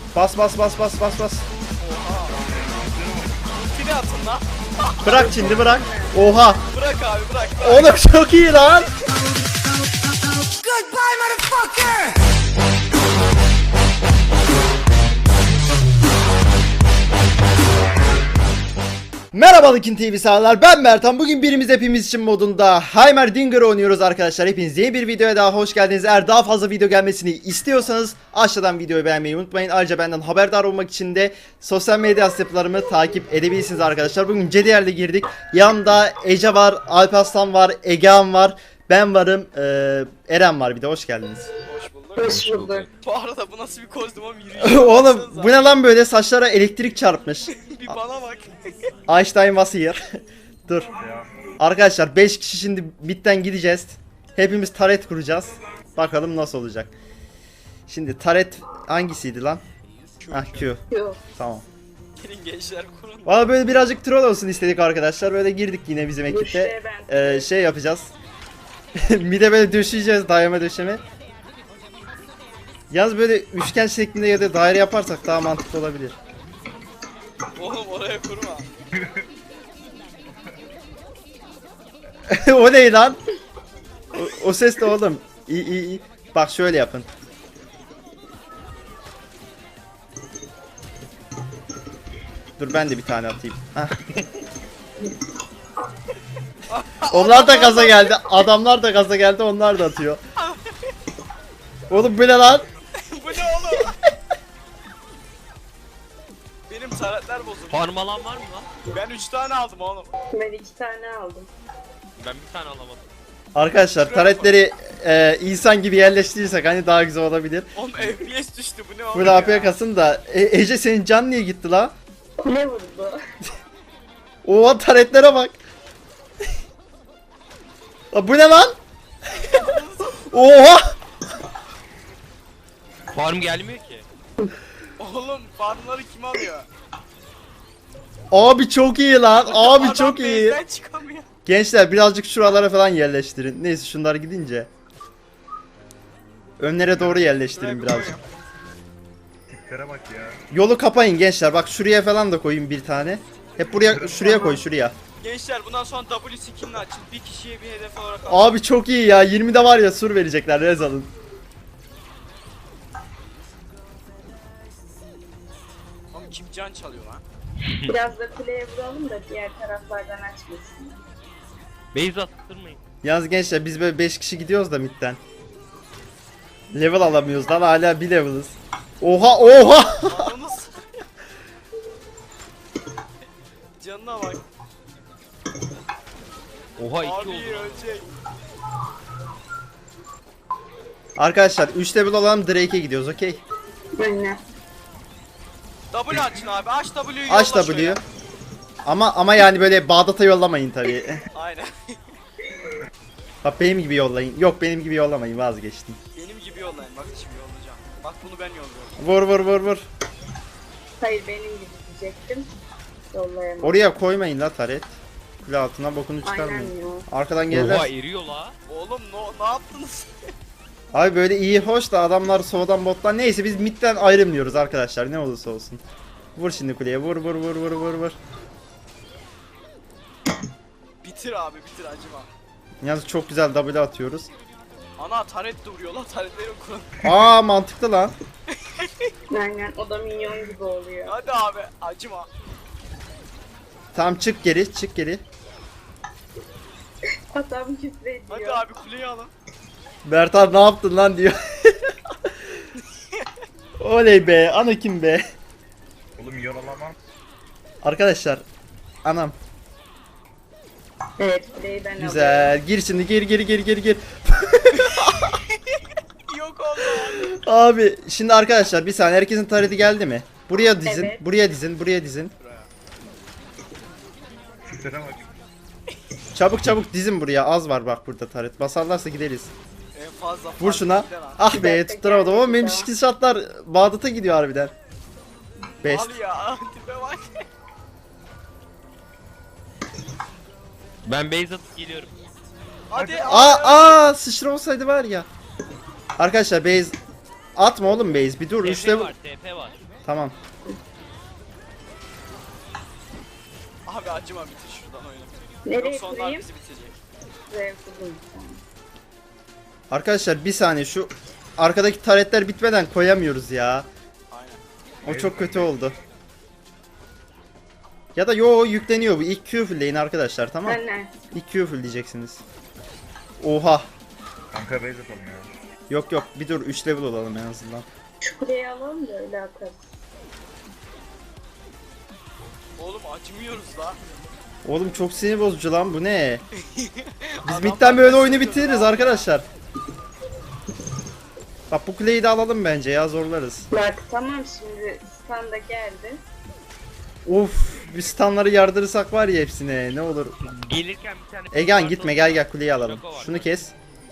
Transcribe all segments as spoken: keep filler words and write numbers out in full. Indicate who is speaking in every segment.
Speaker 1: Bas bas bas bas bas bas.
Speaker 2: Oha. Ultini atın lan.
Speaker 1: Bırak şimdi bırak. Oha.
Speaker 2: Bırak abi bırak. bırak.
Speaker 1: Oğlum çok iyi lan.
Speaker 3: Goodbye, motherfucker!
Speaker 1: Merhaba Likin T V sağlar, ben Mertan. Bugün birimiz hepimiz için modunda Heimerdinger oynuyoruz arkadaşlar. Hepiniz yeni bir videoya daha hoş geldiniz. Eğer daha fazla video gelmesini istiyorsanız aşağıdan videoyu beğenmeyi unutmayın. Ayrıca benden haberdar olmak için de sosyal medya hesaplarımı takip edebilirsiniz arkadaşlar. Bugün C D R'de girdik. Yanımda Ece var, Alparslan var, Egehan var, ben varım, ee, Eren var bir de. Hoş geldiniz.
Speaker 2: Hoş bulduk.
Speaker 3: Hoş bulduk.
Speaker 2: Bu arada bu nasıl bir kostüm yürüyüş?
Speaker 1: Oğlum bu ne lan, böyle saçlara elektrik çarpmış.
Speaker 2: Bir bana bak.
Speaker 1: Einstein was here. Dur. Arkadaşlar beş kişi şimdi bitten gideceğiz. Hepimiz taret kuracağız. Bakalım nasıl olacak. Şimdi taret hangisiydi lan? Ah Q.
Speaker 3: Yok.
Speaker 1: Tamam.
Speaker 2: Gelin gençler kurun.
Speaker 1: Valla böyle birazcık troll olsun istedik arkadaşlar. Böyle girdik yine bizim ekiple.
Speaker 3: Müşteriye ben-
Speaker 1: Ee, şey yapacağız. Bir de böyle döşeyeceğiz, dayama döşeme. Yalnız böyle üçgen şeklinde ya da daire yaparsak daha mantıklı olabilir.
Speaker 2: Oğlum oraya kurma.
Speaker 1: O ne lan? O, o ses de oğlum. İyi iyi iyi. Bak şöyle yapın. Dur ben de bir tane atayım. Hah. Onlar da gaza geldi. Adamlar da gaza geldi. Onlar da atıyor. Oğlum bu ne lan?
Speaker 2: Bu ne oğlum? Benim taretler bozuldu.
Speaker 4: Farm alan var mı lan?
Speaker 2: Ben üç tane aldım oğlum.
Speaker 3: Ben iki tane aldım.
Speaker 4: Ben bir tane alamadım.
Speaker 1: Arkadaşlar taretleri e, insan gibi yerleştirirsek hani daha güzel olabilir.
Speaker 2: Oğlum F P S düştü bu ne oğlum
Speaker 1: Bu
Speaker 2: ya?
Speaker 1: A P kasın da e, Ece senin can niye gitti la?
Speaker 3: Ne vurdu?
Speaker 1: Oha taretlere bak. Aa, bu ne lan? Oha!
Speaker 4: Farm gelmiyor ki.
Speaker 2: Oğlum farmları kim alıyor?
Speaker 1: Abi çok iyi lan. Abi
Speaker 2: Adam
Speaker 1: çok iyi.
Speaker 2: base'den çıkamıyor.
Speaker 1: Gençler birazcık şuralara falan yerleştirin. Neyse şunlar gidince. Önlere doğru yerleştirin
Speaker 2: Buraya
Speaker 1: birazcık.
Speaker 5: Tiplere bak ya.
Speaker 1: Yolu kapayın gençler. Bak şuraya falan da koyun bir tane. Hep buraya, şuraya koy, şuraya.
Speaker 2: Gençler bundan sonra W skin'ini açın. Bir kişiye bir hedef olarak alın.
Speaker 1: Abi çok iyi ya. yirmide var ya sur verecekler. Rez alın.
Speaker 2: Oğlum kim can çalıyor lan?
Speaker 3: Biraz da kuleye vuralım da diğer taraflardan açmasın.
Speaker 4: Base attırmayın.
Speaker 1: Yalnız gençler biz böyle beş kişi gidiyoruz da midden. Level alamıyoruz lan, hala bir level'ız. Oha oha!
Speaker 2: Ananız. Canına bak.
Speaker 4: Oha iki
Speaker 2: Abi
Speaker 4: oldu. lan.
Speaker 2: ölecek.
Speaker 1: Arkadaşlar üç level olan Drake'e gidiyoruz, okey.
Speaker 3: Aynen.
Speaker 2: W açın abi. Aç W'yu yolla
Speaker 1: Aç
Speaker 2: şöyle.
Speaker 1: W'yu. Ama ama yani böyle Bağdat'a yollamayın tabii.
Speaker 2: Aynen.
Speaker 1: Bak benim gibi yollayın. Yok benim gibi yollamayın, vazgeçtim.
Speaker 2: Benim gibi yollayın. Bak şimdi yollayacağım. Bak bunu ben yolluyorum.
Speaker 1: Vur vur vur vur.
Speaker 3: Hayır benim gibi diyecektim. Yollayamadım.
Speaker 1: Oraya koymayın la taret. Kule altına bokunu
Speaker 3: Aynen
Speaker 1: çıkarmayın.
Speaker 3: ya.
Speaker 1: Arkadan
Speaker 4: Oha
Speaker 1: gelirler.
Speaker 4: eriyor la.
Speaker 2: Oğlum no, ne yaptınız?
Speaker 1: Abi böyle iyi hoş da adamlar soğudan bottan. Neyse biz midden ayrılmıyoruz arkadaşlar, ne olursa olsun. Vur şimdi kuleye, vur vur vur vur vur vur.
Speaker 2: Bitir abi bitir acıma.
Speaker 1: Yalnız çok güzel W atıyoruz.
Speaker 2: Ana taret de vuruyor lan taretleri kurun.
Speaker 1: Aa mantıklı lan.
Speaker 3: Aynen o da minyon gibi oluyor.
Speaker 2: Hadi abi acıma.
Speaker 1: Tamam çık geri, çık geri.
Speaker 3: Adam küfrediyor.
Speaker 2: Hadi abi kuleyi alın.
Speaker 1: Bertan ne yaptın lan diyor. Oley be, Anakin be.
Speaker 5: Oğlum yaralamam.
Speaker 1: Arkadaşlar, anam.
Speaker 3: Evet kuleyi ben alıyorum.
Speaker 1: Güzel. Gir şimdi, gir gir gir gir gir.
Speaker 2: Yok oldu abi.
Speaker 1: Abi şimdi arkadaşlar bir saniye, herkesin tarihi geldi mi? Buraya dizin,
Speaker 3: Evet.
Speaker 1: buraya dizin, buraya dizin.
Speaker 5: Tiplere bak.
Speaker 1: Çabuk çabuk dizin buraya. Az var bak burada taret. Basarlarsa gideriz.
Speaker 2: En fazla
Speaker 1: Vur şuna.
Speaker 2: fark lan.
Speaker 1: Ah be tutturamadım ama benim şekil şartlar Bağdat'a gidiyor harbiden. Best.
Speaker 2: Al ya tipe bak.
Speaker 4: Ben base atıp geliyorum.
Speaker 2: Hadi
Speaker 1: Aa aa sıçra olsaydı var ya. Arkadaşlar base atma oğlum, base bir dur. üç
Speaker 4: T P
Speaker 1: level.
Speaker 4: var T P var.
Speaker 1: Tamam.
Speaker 2: Abi acıma bitir şuradan oyunu.
Speaker 3: Nereye
Speaker 2: Yoksa onlar
Speaker 3: kurayım?
Speaker 2: bizi bitirecek.
Speaker 3: Buraya kurayım.
Speaker 1: Arkadaşlar bir saniye, şu arkadaki taretler bitmeden koyamıyoruz ya.
Speaker 2: Aynen.
Speaker 1: O çok kötü oldu. Ya da yo yükleniyor bu. İlk Q fullleyin arkadaşlar, tamam.
Speaker 3: Ben ne?
Speaker 1: İlk Q full diyeceksiniz. Oha.
Speaker 5: Kanka base atalım ya.
Speaker 1: Yok yok, bir dur, üç level olalım en azından.
Speaker 3: Şu kuleyi alalım da öyle atarız.
Speaker 2: Oğlum acımıyoruz la.
Speaker 1: Oğlum çok sinir bozucu lan, bu ne? Biz
Speaker 2: Adamlar
Speaker 1: midden böyle oyunu
Speaker 2: basıyor
Speaker 1: bitiririz
Speaker 2: ya.
Speaker 1: arkadaşlar. Bak bu kuleyi de alalım bence ya, zorlarız.
Speaker 3: Bak tamam, şimdi standa geldi.
Speaker 1: Of, bir stunları yardırırsak var ya hepsine, ne olur.
Speaker 4: Gelirken bir tane...
Speaker 1: Egan gitme, gel gel kuleyi alalım.
Speaker 4: Şaka var.
Speaker 1: Şunu kes.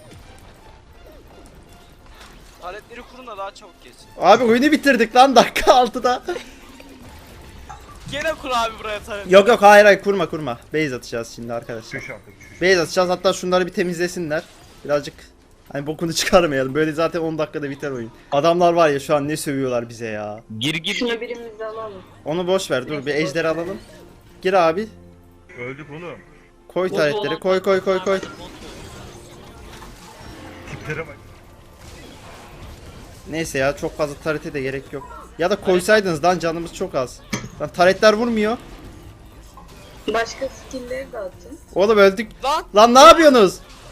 Speaker 2: Aletleri kurun da daha çabuk geçsin.
Speaker 1: Abi oyunu bitirdik lan dakika altıda.
Speaker 2: Gene kur abi buraya taret.
Speaker 1: Yok yok, hayır hayır, kurma kurma. Base atacağız şimdi arkadaşlar.
Speaker 5: Çüş artık çüş.
Speaker 1: Base atacağız, hatta şunları bir temizlesinler. Birazcık hani bokunu çıkarmayalım. Böyle zaten on dakikada biter oyun. Adamlar var ya şu an ne sövüyorlar bize ya.
Speaker 4: Gir gir
Speaker 3: Şunu
Speaker 4: gir.
Speaker 3: birimiz alalım.
Speaker 1: Onu boş ver, dur bir ejderi alalım. Gir abi.
Speaker 5: Öldük oğlum.
Speaker 1: Koy taretleri, koy koy koy koy.
Speaker 5: Tiplere bak.
Speaker 1: Neyse ya, çok fazla tarete de gerek yok. Ya da koysaydınız lan, canımız çok az. Lan taretler vurmuyor.
Speaker 3: Başka skill'leri de atın.
Speaker 1: Oğlum öldük.
Speaker 2: Lan
Speaker 1: Lan ne yapıyorsunuz?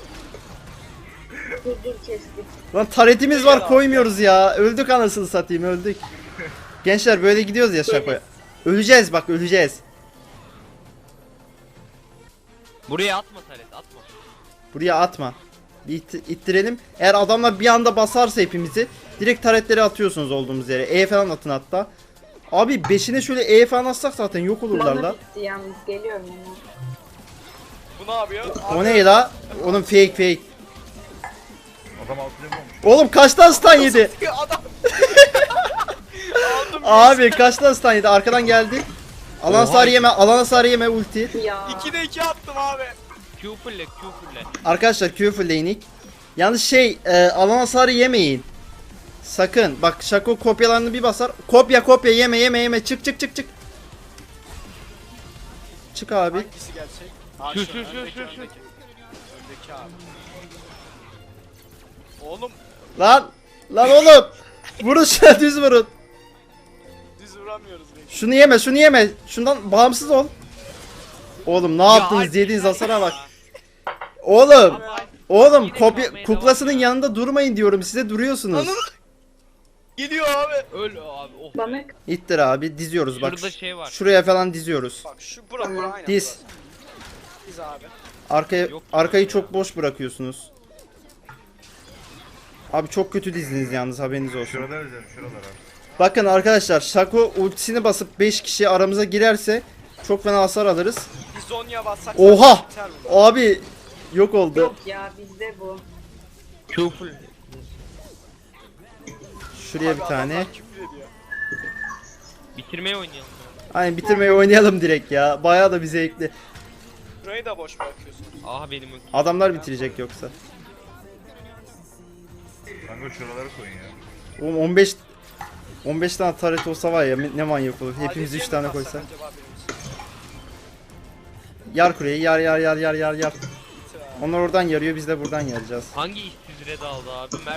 Speaker 3: Dur dur kestik.
Speaker 1: Lan taretimiz var, koymuyoruz ya. Öldük anasını satayım, öldük. Gençler böyle gidiyoruz ya şakoya. Öleceğiz bak, öleceğiz.
Speaker 4: Buraya atma taret atma.
Speaker 1: Buraya atma. Bir it- ittirelim. Eğer adamlar bir anda basarsa hepimizi direkt taretleri atıyorsunuz olduğumuz yere. E falan atın hatta. Abi beşine şöyle E falan atsak zaten yok olurlar
Speaker 3: Bana
Speaker 1: la.
Speaker 3: bitti yalnız, geliyorum ona.
Speaker 2: bu ne yapıyor?
Speaker 1: O ne la? Onun fake fake.
Speaker 5: Adam altı level olmuş.
Speaker 1: Oğlum kaçtan stun yedi?
Speaker 2: Adam. Aldım.
Speaker 1: Abi kaçtan stun yedi? Arkadan geldi. Alan
Speaker 4: Oha.
Speaker 1: hasarı yeme, alan hasarı yeme ulti.
Speaker 3: Ya.
Speaker 2: ikide iki attım abi.
Speaker 4: Q fulle Q fulle.
Speaker 1: Arkadaşlar Q fullleyinik. Yalnız şey, e, alan hasarı yemeyin. Sakın. Bak Şako kopyalarını bir basar. Kopya kopya yeme yeme yeme. Çık çık çık çık. Çık abi.
Speaker 2: Hangisi gerçek? Ha,
Speaker 4: Şu,
Speaker 2: şu,
Speaker 4: şu, şu,
Speaker 2: öndeki,
Speaker 4: şu, şu.
Speaker 2: öndeki. Öndeki abi. Oğlum
Speaker 1: Lan. Lan oğlum. Vurun şuna, düz vurun.
Speaker 2: düz vuramıyoruz reis.
Speaker 1: Şunu yeme şunu yeme. Şundan bağımsız ol. Oğlum ne yaptınız?
Speaker 4: hadi
Speaker 1: Yediğiniz
Speaker 4: ya.
Speaker 1: hasara bak. Oğlum.
Speaker 2: Abi,
Speaker 1: Oğlum
Speaker 4: Yine
Speaker 1: kopya
Speaker 4: kalmaya
Speaker 1: kuklasının
Speaker 4: devam ya.
Speaker 1: yanında durmayın diyorum size, duruyorsunuz.
Speaker 2: Anam. Geliyor abi.
Speaker 4: Öl abi oh.
Speaker 3: Bana
Speaker 1: İttir abi, diziyoruz bak.
Speaker 4: Şurada şey var.
Speaker 1: Şuraya falan diziyoruz.
Speaker 2: Bak şu bura bura aynen.
Speaker 1: Diz.
Speaker 2: burası. Diz abi.
Speaker 1: Arkaya
Speaker 4: Yok.
Speaker 1: arkayı çok boş bırakıyorsunuz. Abi çok kötü dizdiniz yalnız, haberiniz olsun.
Speaker 5: Şurada özel şuralara.
Speaker 1: Bakın arkadaşlar, Şako ultisini basıp beş kişi aramıza girerse çok fena hasar alırız.
Speaker 2: Bir Zonya bassak
Speaker 1: Oha!
Speaker 2: zaten biter bu.
Speaker 1: Abi yok oldu.
Speaker 3: yok ya, bizde bu.
Speaker 4: Q full.
Speaker 1: Şuraya
Speaker 2: Abi
Speaker 1: bir tane.
Speaker 2: adamlar küfür ediyor.
Speaker 4: Bitirmeye oynayalım.
Speaker 1: Aynen, bitirmeyi oynayalım direkt ya. Bayağı da bir zevkli.
Speaker 2: Burayı da boş bırakıyorsun.
Speaker 4: Aha benim ultim.
Speaker 1: Adamlar bitirecek yoksa.
Speaker 5: Kanka şuralara koyun ya.
Speaker 1: Oğlum on beş on beş tane taret olsa var ya, ne manyak olur. Hepimiz
Speaker 2: Adetiye
Speaker 1: üç
Speaker 2: mi
Speaker 1: tane
Speaker 2: bassak
Speaker 1: koysak.
Speaker 2: acaba birimiz?
Speaker 1: Yar kuleyi, yar yar yar yar yar yar.
Speaker 2: Bitir abi.
Speaker 1: Onlar oradan yarıyor, biz de buradan yarayacağız.
Speaker 4: Hangi işsiz red aldı abi? Mert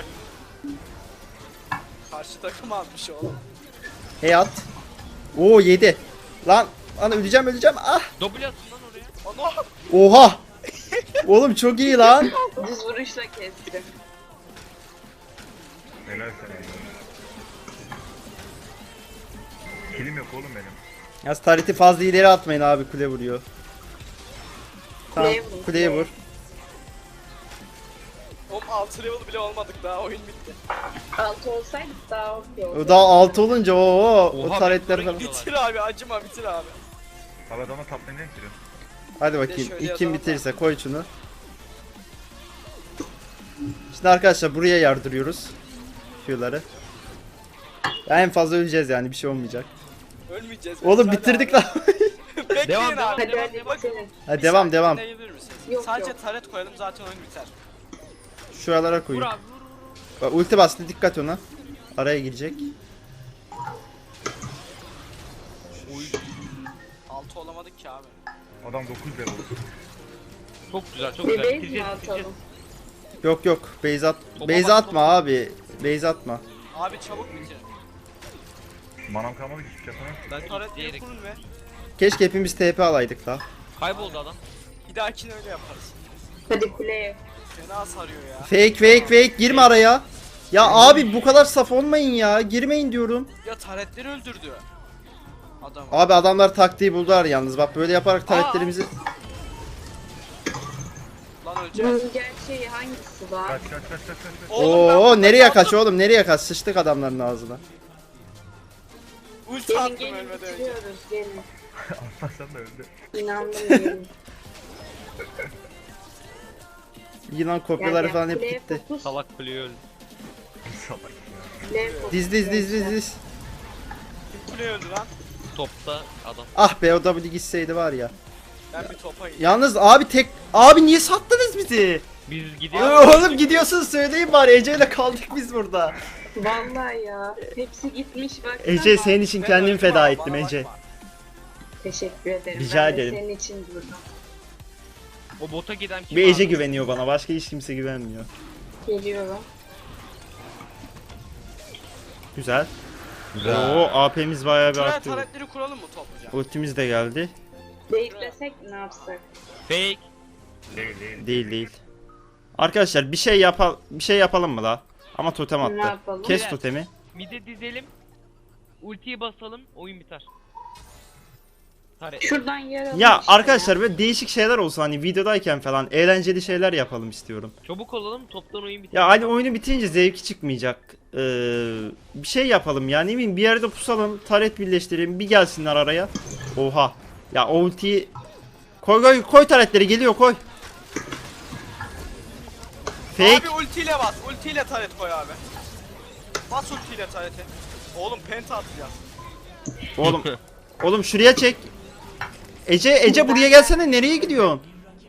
Speaker 2: Karşı takım almış oğlum.
Speaker 1: Hey at. Oo yedi. Lan lan öleceğim öleceğim. Ah.
Speaker 4: double atın lan oraya.
Speaker 2: Ana!
Speaker 1: Oha. Oğlum çok iyi lan.
Speaker 3: Düz vuruşla kestim.
Speaker 5: Helal sana ya. Kilim yok oğlum benim.
Speaker 1: Yaz tarihti fazla ileri atmayın abi, kule vuruyor. Tamam,
Speaker 3: Kuleye vur,
Speaker 1: kuleye
Speaker 3: kuleye.
Speaker 1: vur.
Speaker 2: Oğlum altı level bile olmadık daha oyun bitti.
Speaker 3: Altı olsaydık daha okey
Speaker 1: O
Speaker 3: olurdu.
Speaker 1: daha altı olunca o o
Speaker 4: Oha,
Speaker 1: taretler
Speaker 4: ben
Speaker 1: falan.
Speaker 4: buraya
Speaker 2: Bitir abi acıma bitir abi.
Speaker 5: Abi adama taplayın ne gidiyor?
Speaker 1: Hadi
Speaker 2: Bir de
Speaker 1: bakayım.
Speaker 2: şöyle
Speaker 1: İlk
Speaker 2: yazalım
Speaker 1: kim
Speaker 2: da.
Speaker 1: bitirirse koy şunu. Şimdi arkadaşlar buraya yardırıyoruz. Q'ları. En fazla öleceğiz yani, bir şey olmayacak.
Speaker 2: Ölmeyeceğiz.
Speaker 1: Oğlum
Speaker 2: Hadi
Speaker 1: bitirdik
Speaker 2: abi.
Speaker 1: lan.
Speaker 2: Bekleyin
Speaker 4: Devam,
Speaker 2: abi.
Speaker 4: devam,
Speaker 3: Hadi
Speaker 4: devam,
Speaker 3: hadi
Speaker 4: devam.
Speaker 3: bitirin.
Speaker 1: Hadi
Speaker 2: Bir
Speaker 1: devam
Speaker 2: saniye
Speaker 1: devam.
Speaker 2: dinleyebilir misiniz?
Speaker 3: Yok,
Speaker 2: Sadece
Speaker 3: yok.
Speaker 2: taret koyalım zaten oyun biter.
Speaker 1: Şuralara
Speaker 4: Vur
Speaker 1: koyun.
Speaker 4: abi vur vur.
Speaker 1: Bak ulti bastı, dikkat ona. Araya girecek.
Speaker 4: Uy.
Speaker 2: altı olamadık ki abi.
Speaker 5: Adam dokuz level.
Speaker 4: Çok güzel çok
Speaker 3: Bir
Speaker 4: güzel.
Speaker 3: base mi
Speaker 4: Bitireceğiz, bitireceğiz.
Speaker 3: atalım?
Speaker 1: Yok yok base at.
Speaker 4: Topa
Speaker 1: Base
Speaker 4: bak,
Speaker 1: atma
Speaker 4: topa.
Speaker 1: abi. Base atma.
Speaker 2: Abi çabuk bitir.
Speaker 5: Manam kalmadı ki hiçbir şey yapamam.
Speaker 4: Ben
Speaker 2: Taretleri
Speaker 4: diyerek
Speaker 2: kurun ve
Speaker 1: Keşke hepimiz T P alaydık da.
Speaker 4: kayboldu adam.
Speaker 2: bir dahakine öyle yaparız.
Speaker 3: Hadi kuleye.
Speaker 2: Fena sarıyor ya.
Speaker 1: Fake fake fake girme araya. Ya abi bu kadar saf olmayın ya. Girmeyin diyorum.
Speaker 2: Ya taretleri öldürdü. Adam.
Speaker 1: Abi adamlar taktiği buldular yalnız. Bak böyle yaparak taretlerimizi...
Speaker 2: Lan öleceğiz.
Speaker 3: Bunun gerçeği hangisi var?
Speaker 5: Kaç kaç kaç kaç kaç. kaç.
Speaker 2: Oğlum ben
Speaker 1: Oo
Speaker 2: burada
Speaker 1: nereye
Speaker 2: kaldım.
Speaker 1: kaç oğlum nereye kaç? Sıçtık adamların ağzına.
Speaker 2: Ulti
Speaker 3: Gelin
Speaker 2: attım
Speaker 3: gelin
Speaker 2: ölmeden önce.
Speaker 3: bitiriyoruz gelin.
Speaker 5: Atmazsan da öldü.
Speaker 3: İnandım gelin.
Speaker 1: Yılan kopyaları
Speaker 3: Gel, gel,
Speaker 1: falan hep
Speaker 3: kuleye
Speaker 1: gitti.
Speaker 3: fokus,
Speaker 4: Salak kuleyi öldü.
Speaker 5: Salak ya.
Speaker 3: kuleye fokus
Speaker 1: Diz diz diz diz
Speaker 3: gençler.
Speaker 1: diz.
Speaker 2: Kule öldü lan.
Speaker 4: Topta adam.
Speaker 1: Ah be o W gitseydi var ya.
Speaker 2: Ben bir topa gittim.
Speaker 1: Yalnız abi tek... Abi niye sattınız bizi?
Speaker 4: Biz
Speaker 1: Ee,
Speaker 4: gidiyoruz.
Speaker 1: Oğlum gidiyorsun söyleyin bari Ece'yle kaldık biz burada.
Speaker 3: Vallahi ya. Hepsi gitmiş bak.
Speaker 1: Ece senin için
Speaker 2: Ben
Speaker 1: kendimi
Speaker 2: öldüm
Speaker 1: feda
Speaker 2: ama
Speaker 1: ettim
Speaker 2: bana
Speaker 1: Ece.
Speaker 2: bakma.
Speaker 3: Teşekkür ederim.
Speaker 1: Rica
Speaker 3: ben
Speaker 1: ederim.
Speaker 3: de senin için durdum.
Speaker 4: O bota giden kim
Speaker 1: Bir Ece
Speaker 4: abi?
Speaker 1: güveniyor bana başka hiç kimse güvenmiyor.
Speaker 3: Geliyorum.
Speaker 1: Güzel. Oo A P'miz bayağı bir
Speaker 2: Şuraya
Speaker 1: arttı.
Speaker 2: taretleri kuralım mı topluca?
Speaker 1: Ultimiz de geldi.
Speaker 3: Beklesek ne yapsak?
Speaker 4: Fake.
Speaker 5: Değil değil.
Speaker 1: Değil değil. Arkadaşlar bir şey yapal bir şey yapalım mı la? Ama totem
Speaker 3: Ne
Speaker 1: attı.
Speaker 3: yapalım?
Speaker 1: Kes
Speaker 4: Evet.
Speaker 1: totemi.
Speaker 4: Mide dizelim. Ultiyi basalım. Oyun biter. Taret.
Speaker 3: Şuradan yaralım
Speaker 1: Ya
Speaker 3: işte
Speaker 1: arkadaşlar böyle değişik şeyler olsun hani videodayken falan eğlenceli şeyler yapalım istiyorum.
Speaker 4: Çabuk olalım. Toptan oyun biter.
Speaker 1: Ya hani oyunu bitirince zevki çıkmayacak. Ee, bir şey yapalım yani ne bileyim bir yerde pusalım, taret birleştirelim, bir gelsinler araya. Oha. Ya o ultiyi koy koy koy taretleri geliyor koy. Fake.
Speaker 2: Abi ultiyle bas. Ultiyle taret koy abi. Bas ultiyle tarete. Oğlum penta atacağız.
Speaker 1: Oğlum. Oğlum şuraya çek. Ece Ece buraya gelsene nereye gidiyorsun?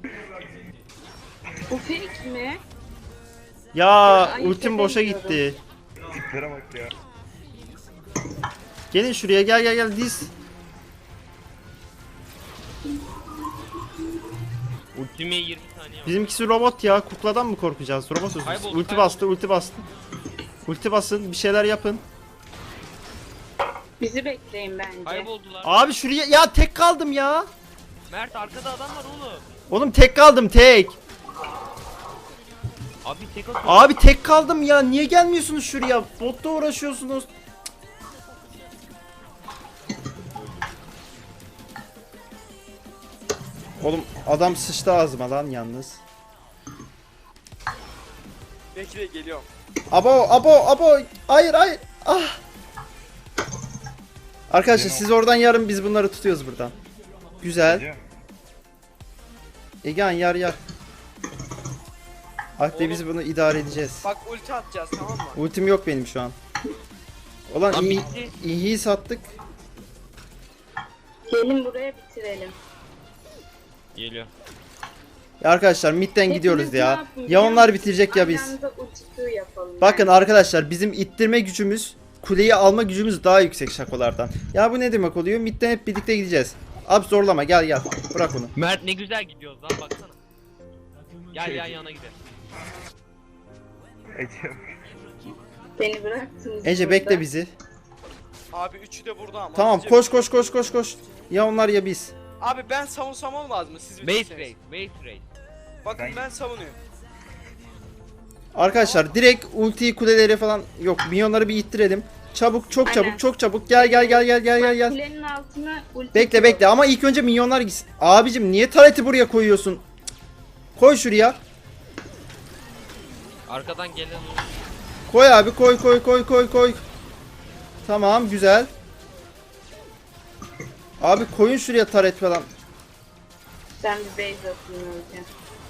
Speaker 3: Bu fake mi?
Speaker 1: Ya
Speaker 3: Ayıp
Speaker 1: ultim boşa
Speaker 3: edemiyorum.
Speaker 1: gitti.
Speaker 5: Tiplere bak ya.
Speaker 1: Gelin şuraya gel gel gel diz.
Speaker 4: Ultime yirmi saniye var.
Speaker 1: Bizimkisi robot ya. Kukladan mı korkacağız? Robotuz.
Speaker 4: Kayboldu,
Speaker 1: Ulti
Speaker 4: kayboldu.
Speaker 1: bastı, ulti bastı. Ulti basın, bir şeyler yapın.
Speaker 3: Bizi bekleyin bence.
Speaker 4: Kayboldular.
Speaker 1: Abi şuraya ya tek kaldım ya.
Speaker 4: Mert arkada adam var oğlum.
Speaker 1: Oğlum tek kaldım tek.
Speaker 4: Abi tek atıyor.
Speaker 1: Abi tek kaldım ya. Niye gelmiyorsunuz şuraya? Botta uğraşıyorsunuz. Oğlum adam sıçtı ağzıma lan yalnız.
Speaker 2: Bekle geliyorum.
Speaker 1: Abo abo abo. Hayır hayır. Ah. Arkadaşlar siz oradan yarın biz bunları tutuyoruz buradan. Güzel.
Speaker 5: Ece.
Speaker 1: Egehan yar yar. Akde biz bunu idare edeceğiz.
Speaker 2: Bak ulti atacağız tamam mı?
Speaker 1: Ultim yok benim şu an. Ulan
Speaker 4: Lan
Speaker 1: iyi,
Speaker 4: bitti.
Speaker 1: iyiyi sattık.
Speaker 3: Gelin buraya bitirelim.
Speaker 4: Geliyor.
Speaker 1: Ya arkadaşlar midden
Speaker 3: Hepiniz
Speaker 1: gidiyoruz
Speaker 3: ne
Speaker 1: ya.
Speaker 3: yapın
Speaker 1: Ya
Speaker 3: biliyor
Speaker 1: onlar
Speaker 3: musun?
Speaker 1: bitirecek ya biz.
Speaker 3: Aynı anda ulti Q yapalım.
Speaker 1: Bakın
Speaker 3: bence.
Speaker 1: arkadaşlar bizim ittirme gücümüz, kuleyi alma gücümüz daha yüksek şakolardan. Ya bu ne demek oluyor? Midden hep birlikte gideceğiz. Abi zorlama gel gel. Bırak onu.
Speaker 4: Mert ne güzel gidiyoruz lan baksana. Gel yan yana gidelim.
Speaker 5: Ece.
Speaker 3: Beni bıraktınız
Speaker 1: Ece
Speaker 3: burada.
Speaker 1: bekle bizi.
Speaker 2: Abi üçü de burada ama.
Speaker 1: Tamam
Speaker 2: Hızlıca-
Speaker 1: koş koş koş koş koş. Ya onlar ya biz.
Speaker 2: Abi ben savunsam olmaz mı? Siz
Speaker 4: Base
Speaker 2: bitirseniz.
Speaker 4: race, base race.
Speaker 2: Bakın
Speaker 5: Ben-
Speaker 2: ben savunuyorum.
Speaker 1: Arkadaşlar direkt ultiyi kuleleri falan yok. Minyonları bir ittirelim. Çabuk çok çabuk
Speaker 3: Aynen.
Speaker 1: çok çabuk. Gel gel gel gel gel gel gel.
Speaker 3: Kulenin altına ulti
Speaker 1: Bekle
Speaker 3: Q.
Speaker 1: bekle ama ilk önce minyonlar gitsin. Abicim niye tareti buraya koyuyorsun? Cık. Koy şuraya.
Speaker 4: Arkadan gelen
Speaker 1: Koy abi koy koy koy koy koy. Tamam güzel. Abi koyun şuraya taret falan.
Speaker 3: Ben bir base atayım önce.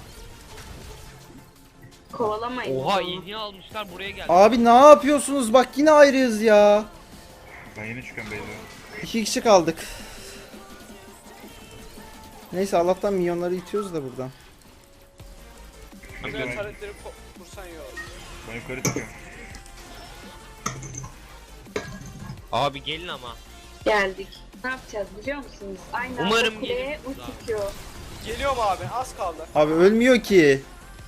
Speaker 3: Kovalamayın.
Speaker 4: Oha
Speaker 3: onu.
Speaker 4: iğne almışlar buraya geldi.
Speaker 1: Abi ne yapıyorsunuz? Bak yine ayrıyız ya.
Speaker 5: Ben yeni çıkıyorum beyler.
Speaker 1: İki kişi kaldık. Neyse Allah'tan minyonları itiyoruz da buradan.
Speaker 2: Güzel taretleri ko- kursan iyi olur.
Speaker 5: Ben yukarı çıkıyorum.
Speaker 4: Abi gelin ama.
Speaker 3: Geldik. Ne yapacağız biliyor musunuz? Aynı anda
Speaker 4: Umarım
Speaker 3: kuleye
Speaker 4: geliriz
Speaker 3: ulti Q.
Speaker 2: Geliyorum abi az kaldı.
Speaker 1: Abi ölmüyor ki.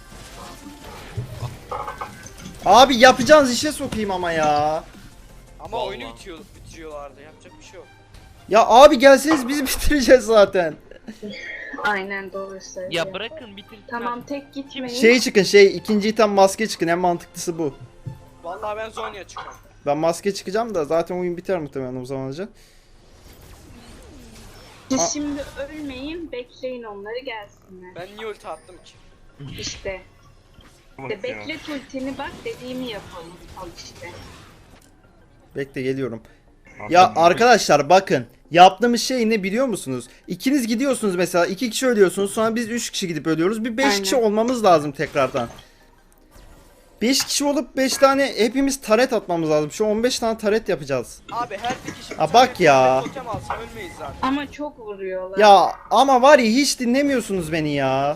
Speaker 1: Abi yapacağınız işe sokayım ama ya.
Speaker 2: Ama
Speaker 4: Vallahi.
Speaker 2: oyunu bitiyor, bitiriyorlardı yapacak bir şey yok.
Speaker 1: Ya abi gelseniz biz bitireceğiz zaten.
Speaker 3: Aynen doğru söylüyor.
Speaker 4: Ya bırakın bitirsinler.
Speaker 3: Tamam tek gitmeyin.
Speaker 1: Şey çıkın şey ikinci item maske çıkın en mantıklısı bu.
Speaker 2: Vallahi ben Zonya çıkıyorum.
Speaker 1: Ben maske çıkacağım da zaten oyun biter muhtemelen o zaman önce.
Speaker 3: Siz
Speaker 1: Aa.
Speaker 3: şimdi ölmeyin, bekleyin onları gelsinler.
Speaker 2: Ben niye ulti attım ki?
Speaker 3: İşte.
Speaker 5: Bak
Speaker 3: İşte
Speaker 5: ya.
Speaker 3: beklet ultini bak dediğimi yapalım. Al işte.
Speaker 1: Bekle geliyorum.
Speaker 5: Aslında
Speaker 1: Ya
Speaker 5: bu-
Speaker 1: arkadaşlar bakın yaptığımız şey ne biliyor musunuz? İkiniz gidiyorsunuz mesela iki kişi ölüyorsunuz sonra biz üç kişi gidip ölüyoruz. Bir beş
Speaker 3: Aynen.
Speaker 1: kişi olmamız lazım tekrardan. beş kişi olup beş tane hepimiz taret atmamız lazım. Şu on beş tane taret yapacağız.
Speaker 2: Abi her bir kişi bir
Speaker 1: Ha,
Speaker 2: tane
Speaker 1: bak ya.
Speaker 2: totem alsa ölmeyiz zaten.
Speaker 3: Ama çok vuruyorlar.
Speaker 1: Ya ama var ya hiç dinlemiyorsunuz beni ya.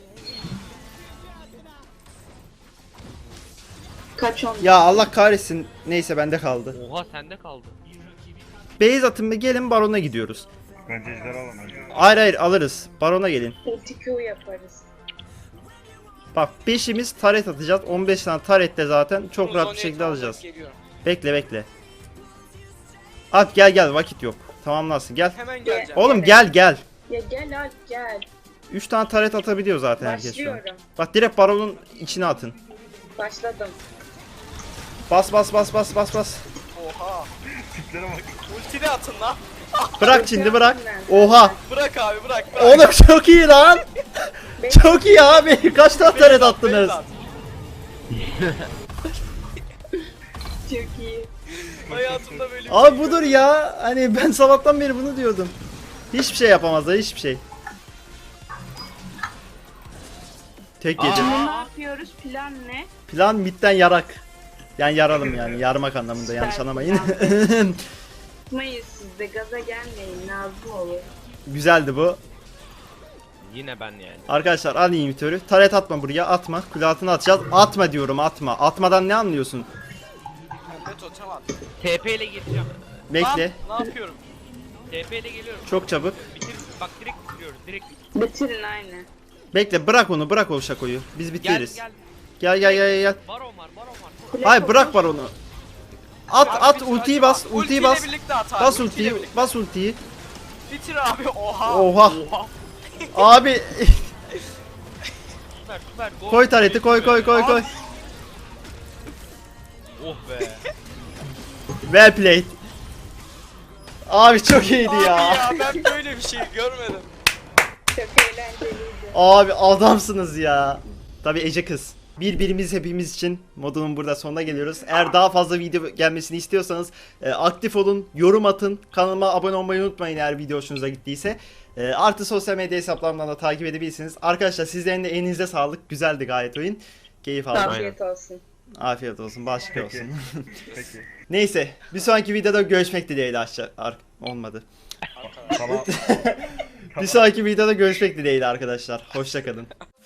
Speaker 3: Kaç on.
Speaker 1: Ya Allah kahretsin. Neyse bende kaldı.
Speaker 4: Oha sende kaldı.
Speaker 1: Beyz atın ve gelin barona gidiyoruz.
Speaker 5: Bence ejder alalım önce.
Speaker 1: Hayır hayır alırız. Barona gelin.
Speaker 3: Ulti Q yaparız.
Speaker 1: Bak beşimiz taret atacağız. on beş tane taret de zaten çok
Speaker 2: Bunu
Speaker 1: rahat bir
Speaker 2: Zonya'ya
Speaker 1: şekilde
Speaker 2: tamamlayıp
Speaker 1: alacağız.
Speaker 2: geliyorum.
Speaker 1: Bekle bekle. At gel gel vakit yok. Tamamlarsın gel.
Speaker 2: Hemen geleceğim.
Speaker 1: Oğlum gel gel.
Speaker 3: Ya gel Alp gel.
Speaker 1: üç tane taret atabiliyor zaten herkes şu an.
Speaker 3: Başlıyorum.
Speaker 1: Bak direkt baronun içine atın.
Speaker 3: Başladım.
Speaker 1: Bas bas bas bas bas bas.
Speaker 2: Oha.
Speaker 5: Tiplere bak.
Speaker 2: Ulti de atın lan.
Speaker 1: Bırak şimdi bırak. Oha.
Speaker 2: Bırak abi bırak. bırak.
Speaker 1: Oğlum çok iyi lan. Çok iyi abi. Kaç tane
Speaker 2: Beni
Speaker 1: taret
Speaker 2: de at,
Speaker 1: attınız?
Speaker 2: beni de at.
Speaker 3: Çok iyi.
Speaker 2: Hayatımda böyle bir
Speaker 1: Abi
Speaker 2: şey
Speaker 1: budur ya. Hani ben sabahtan beri bunu diyordum. Hiçbir şey yapamazlar hiçbir şey. Tek gece.
Speaker 3: Şimdi ne yapıyoruz? Plan ne?
Speaker 1: Plan midden yarak. Yani yaralım yani yarmak anlamında yanlış
Speaker 3: Süper.
Speaker 1: anlamayın.
Speaker 3: Tutmayın siz de gaza gelmeyin lazım olur.
Speaker 1: Güzeldi bu.
Speaker 4: Yine ben yani.
Speaker 1: Arkadaşlar al imitörü. Taret atma buraya atma. Kule altına atacağız. Atma diyorum atma. Atmadan ne anlıyorsun?
Speaker 2: Pembe totem at.
Speaker 4: T P ile geçeceğim.
Speaker 1: Bekle.
Speaker 2: Lan, ne yapıyorum?
Speaker 4: T P ile geliyorum.
Speaker 1: Çok çabuk.
Speaker 4: Bitir. Bak direkt bitiriyoruz. Direkt.
Speaker 3: Bitirin aynı.
Speaker 1: Bekle bırak onu bırak o şakoyu. Biz
Speaker 4: Gel
Speaker 1: bitiririz.
Speaker 4: gel.
Speaker 1: Gel gel gel gel.
Speaker 4: Baron var baron var.
Speaker 3: Kule
Speaker 1: Hayır
Speaker 3: koş.
Speaker 1: bırak var onu. At
Speaker 2: Abi
Speaker 1: at
Speaker 2: bitir,
Speaker 1: ultiyi
Speaker 2: acaba.
Speaker 1: bas. Ultiyi
Speaker 2: Ultiyle
Speaker 1: bas.
Speaker 2: birlikte at abi,
Speaker 1: Bas
Speaker 2: ultiyle
Speaker 1: ultiyi.
Speaker 2: birlikte.
Speaker 1: Bas ultiyi.
Speaker 2: Bitir abi oha.
Speaker 1: Oha. Abi
Speaker 4: Süper süper. Go.
Speaker 1: koy tareti koy koy koy koy.
Speaker 4: Oh be.
Speaker 1: Well played. Abi çok iyiydi
Speaker 2: Abi
Speaker 1: ya.
Speaker 2: ya ben böyle bir şey görmedim.
Speaker 3: Çok eğlenceliydi.
Speaker 1: Abi adamsınız ya. Tabii Ece kız. Birbirimiz hepimiz için modunun burada sonuna geliyoruz. Eğer daha fazla video gelmesini istiyorsanız e, aktif olun, yorum atın, kanalıma abone olmayı unutmayın eğer video hoşunuza gittiyse. E, artı sosyal medya hesaplarımdan da takip edebilirsiniz. Arkadaşlar sizlerin de elinize sağlık. Güzeldi gayet oyun. Keyif aldım.
Speaker 3: Afiyet olsun.
Speaker 1: Afiyet olsun, başka
Speaker 5: Peki.
Speaker 1: olsun.
Speaker 5: Peki.
Speaker 1: Neyse, bir sonraki videoda görüşmek dileğiyle aşağı. Ar- olmadı.
Speaker 5: Tamam.
Speaker 1: Bir sonraki videoda görüşmek dileğiyle arkadaşlar. Hoşça kalın.